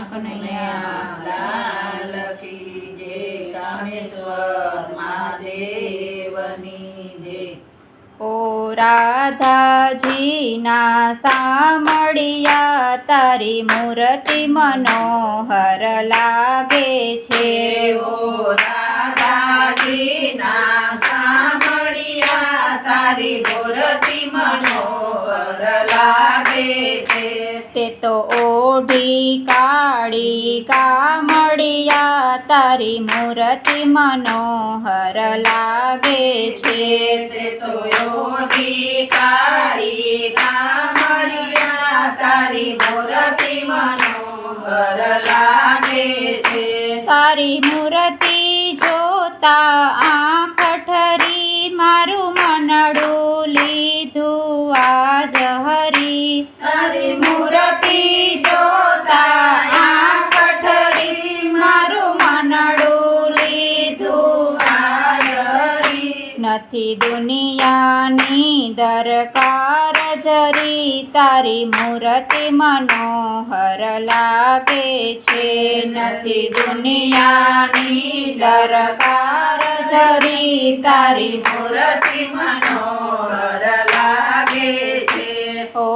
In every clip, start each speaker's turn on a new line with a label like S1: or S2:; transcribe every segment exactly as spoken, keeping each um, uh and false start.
S1: કનૈયા લાલ કી જય, કામેશ્વર મહાદેવની જય।
S2: ઓ રાધાજીના સામળિયા તારી મૂર્તિ મનોહર લાગે છે।
S1: ઓ રાધાજીના સામળિયા તારી મૂર્તિ મનોહર લાગે છે।
S2: તે તો ઓઢી કાળી કામળિયા તારી મૂર્તિ મનોહર લાગે છે।
S1: તે તો ઓઢી કાળી કામળિયા તારી મૂર્તિ મનોહર લાગે છે।
S2: તારી મૂર્તિ જોતા આંખ ઠરી મારું મનડું લીધું આજ હરી।
S1: તારી મૂર્તિ જોતા આંખ ઠરી મારું મનડું લીધું આજ હરી।
S2: નથી દુનિયાની દરકાર જરી તારી મૂર્તિ મનોહર લાગે છે।
S1: નથી દુનિયાની દરકાર જરી તારી મૂર્તિ મનોહર લાગે છે।
S2: ઓ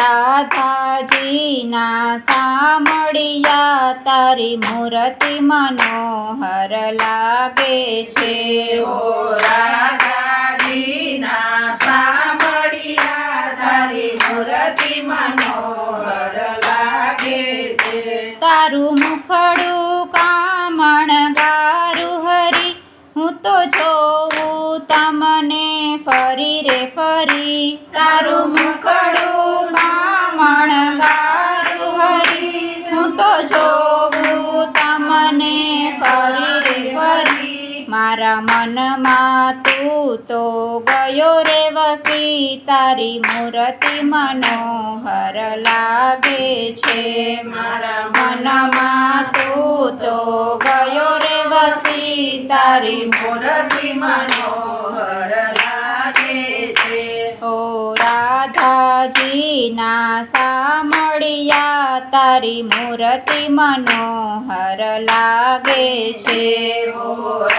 S2: રાધાજીના સામળિયા તારી મૂર્તિ મનોહર લાગે છે।
S1: ઓ રાધાજીના સામળિયા તારી મૂર્તિ મનોહર લાગે છે।
S2: તારું મુખડું કામણ ગારું હરી હું તો જોઉં તમને ફરી રે ફરી। તારું મુખડું કામણ ગારું હરી હું તો જોઉં તમને ફરી રે ફરી। મારા મનમાં તું તો ગયો રે વસી તારી મૂર્તિ મનોહર લાગે છે।
S1: મારા
S2: મનમાં તું તો ગયો રે વસી તારી
S1: મૂર્તિ મનોહર લાગે છે।
S2: ઓ રાધાજીના સામળિયા તારી મૂર્તિ મનોહર લાગે છે।
S1: ઓ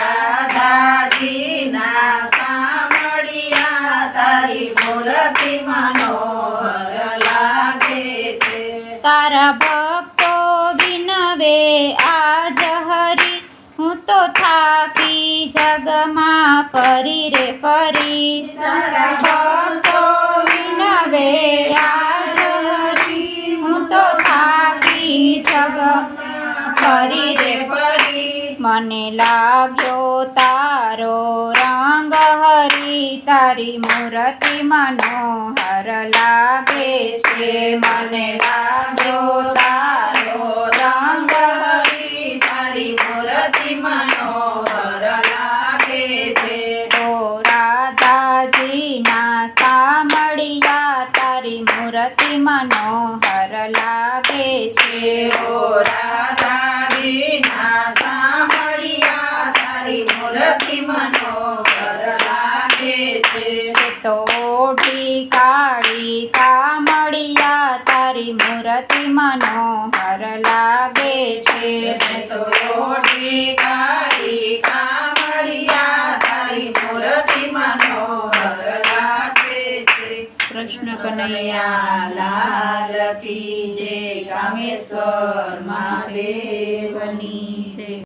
S1: રાધાજીના સામળિયા તારી મૂર્તિ મનોહર લાગે છે।
S2: તારા ભક્તો વિનવે આજ હરી હું તો થાકી જગમાં ફરી રે ફરી।
S1: તારા
S2: ભક્તો વિનવે આજ હરી હું તો થાકી જગમાં ફરી રે ફરી। મને લાગ્યો તારો રંગ હરી તારી મૂર્તિ મનોહર લાગે છે। મને લાગ્યો તારો રંગ
S1: હરી તારી મૂર્તિ મનોહર લાગે છે।
S2: ઓ રાધાજીના સામળિયા તારી મૂર્તિ મનોહર લાગે છે।
S1: ઓ રાધાજીના સામળિયા તારી મૂર્તિ મનોહર લાગે છે।
S2: તે તો ઓઢી કાળી કામળિયા તારી મૂર્તિ મનોહર લાગે છે।
S1: તે તો ઓઢી કાળી કામળિયા તારી મૂર્તિ મનોહર લાગે છે।
S2: કૃષ્ણ કનૈયા
S1: લાલ કી જય, કામેશ્વર મહાદેવની જય।